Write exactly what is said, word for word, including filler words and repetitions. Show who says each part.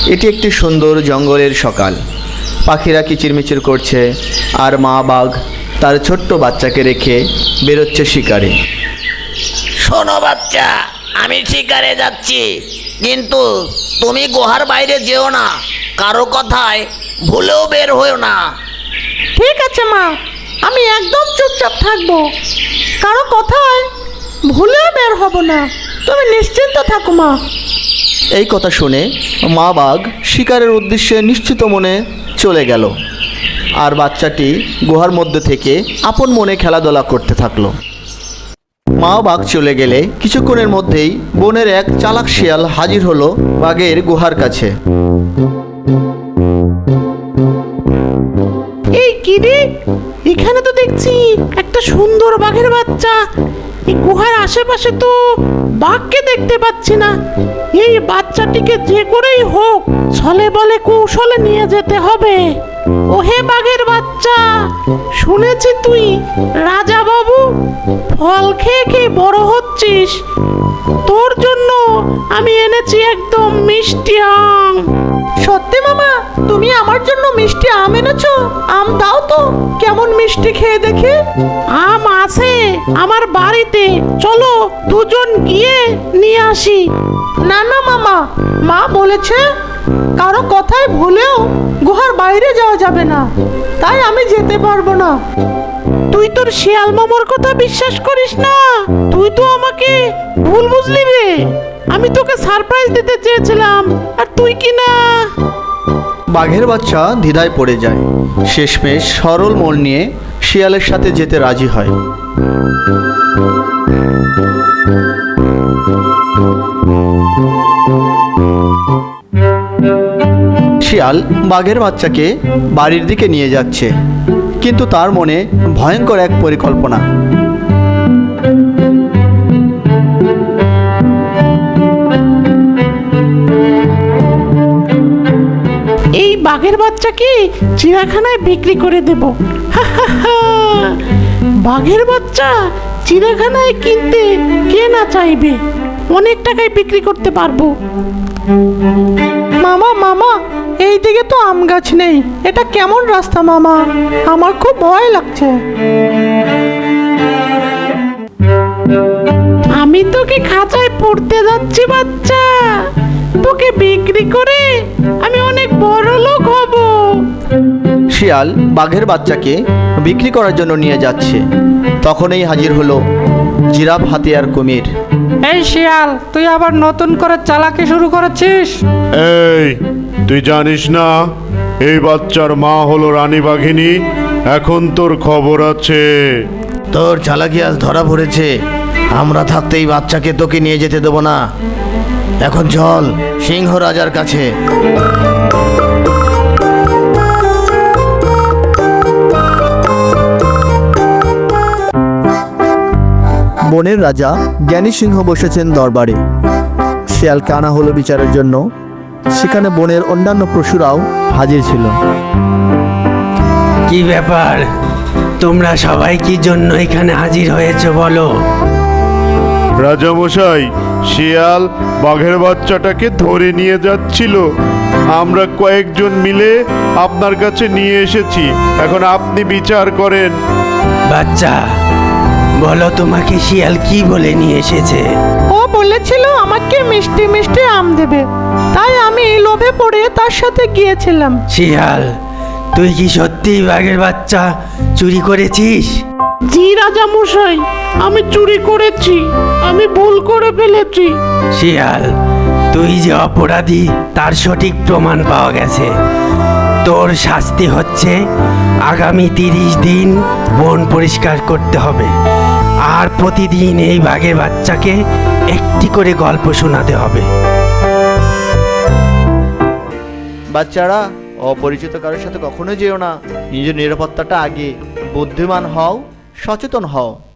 Speaker 1: এটি একটি সুন্দর জঙ্গলের সকাল। পাখিরা কিচিরমিচির করছে, আর মা বাঘ তার ছোট্ট বাচ্চাকে রেখে বেরোচ্ছে শিকারে।
Speaker 2: শোনো বাচ্চা, আমি শিকারে যাচ্ছি, কিন্তু তুমি গুহার বাইরে যেও না, কারো কথায় ভুলেও বের হয়েও না।
Speaker 3: ঠিক আছে মা, আমি একদম চুপচাপ থাকবো, কারো কথায় ভুলেও বের হব না। তুমি নিশ্চিন্ত থাকো মা।
Speaker 1: এই কথা শুনে মা বাঘ শিকারের উদ্দেশ্যে নিশ্চিত মনে চলে গেল, আর বাচ্চাটি গুহার মধ্যে থেকে আপন মনে খেলাধুলা করতে থাকলো। মা বাঘ চলে গেলে কিছুক্ষণের মধ্যেই বনের এক চালাক শিয়াল হাজির হলো বাঘের গুহার কাছে।
Speaker 3: এই কি রে, এখানে তো দেখছি একটা সুন্দর বাঘের বাচ্চা। এই গুহার আশেপাশে তো বাঘকে দেখতে পাচ্ছি না। এই বাচ্চাটিকে যে করেই হোক ছলে বলে কৌশলে নিয়ে যেতে হবে। ওহে বাঘের বাচ্চা, শুনেছি তুই রাজা বাবু ফল খেয়ে খেয়ে বড় হচ্ছিস। তোর জন্য আমি এনেছি একদম মিষ্টি আম। সত্যি মামা, তুমি আমার জন্য মিষ্টি আম এনেছো? আম দাও তো, কেমন মিষ্টি খেয়ে দেখি। আম আছে আমার বাড়িতে, চলো দুজন গিয়ে নিয়ে আসি। না না মামা, মা বলেছে কারো কথায় ভুলেও গুহার বাইরে যাওয়া যাবে না, তাই আমি যেতে পারবো না। তুই তোর শিয়াল মামার কথা বিশ্বাস করিস না? তুই তো আমাকে ভুল বুঝলি রে। আমি তোকে সারপ্রাইজ দিতে চেয়েছিলাম, আর তুই কি না।
Speaker 1: বাঘের বাচ্চা দ্বিধায় পড়ে যায়, শেষমেশ সরল মন নিয়ে শিয়ালের সাথে যেতে রাজি হয়। শিয়াল বাঘের বাচ্চাকে বাড়ির দিকে নিয়ে যাচ্ছে, কিন্তু তার মনে ভয়ঙ্কর এক পরিকল্পনা।
Speaker 3: এই বাঘের বাচ্চাকে চিড়িয়াখানায় বিক্রি করে দেব। বাঘের বাচ্চা চিড়িয়াখানায় কিনতে কে না চাইবে, অনেক টাকায় বিক্রি করতে পারবো। মামা মামা, এই দিকে তো আম গাছ নেই, এটা কেমন রাস্তা মামা? আমার খুব ভয় লাগছে। আমি তোকে খাঁচায় পড়তে যাচ্ছি বাচ্চা, তোকে বিক্রি করে আমি অনেক বড় লোক হব।
Speaker 1: শিয়াল বাঘের বাচ্চাকে বিক্রি করার জন্য নিয়ে যাচ্ছে, তখনই হাজির হলো জিরাফ হাতিয়ার কুমির।
Speaker 3: এই শিয়াল, তুই আবার নতুন করে চালাকি শুরু করেছিস?
Speaker 4: এই, তুই জানিস না এই বাচ্চার মা হলো রানী বাঘিনী? এখন তোর খবর আছে।
Speaker 2: তোর চালাকি আজ ধরা পড়েছে। আমরা থাকতে এই বাচ্চাকে তোকে নিয়ে যেতে দেবো না। এখন চল সিংহ রাজার কাছে।
Speaker 1: বনের রাজা জ্ঞানী সিংহ বসেছেন দরবারে। শিয়ালকে আনা হলো বিচারের জন্য। সেখানে বনের অন্যান্য পশুরাও হাজির ছিল।
Speaker 5: কি ব্যাপার, তোমরা সবাই কি জন্য এখানে হাজির হয়েছে বলো?
Speaker 4: রাজামশাই, শিয়াল বাঘের বাচ্চাটাকে ধরে নিয়ে যাচ্ছিল। আমরা কয়েকজন মিলে আপনার কাছে নিয়ে এসেছি, এখন আপনি বিচার করেন।
Speaker 5: বাচ্চা, বলো তোমাকে শিয়াল কি বলে নিয়ে এসেছে?
Speaker 3: ও বলেছিল আমাকে মিষ্টি মিষ্টি আম দেবে, তাই আমি এই লোভে পড়ে তার সাথে গিয়েছিলাম।
Speaker 5: শিয়াল, তুই কি সত্যিই বাঘের বাচ্চা চুরি করেছিস?
Speaker 3: জি রাজা মশাই, আমি চুরি করেছি, আমি ভুল করে ফেলেছি।
Speaker 5: শিয়াল, তুই যে অপরাধী তার সঠিক প্রমাণ পাওয়া গেছে। তোর শাস্তি হচ্ছে আগামী তিরিশ দিন বন পরিষ্কার করতে হবে, আর প্রতিদিন এই বাঘের বাচ্চাকে একটি করে গল্প শোনাতে হবে।
Speaker 1: বাচ্চারা, অপরিচিত কারোর সাথে কখনো যেও না। নিজের নিরাপত্তাটা আগে। বুদ্ধিমান হও, সচেতন হও।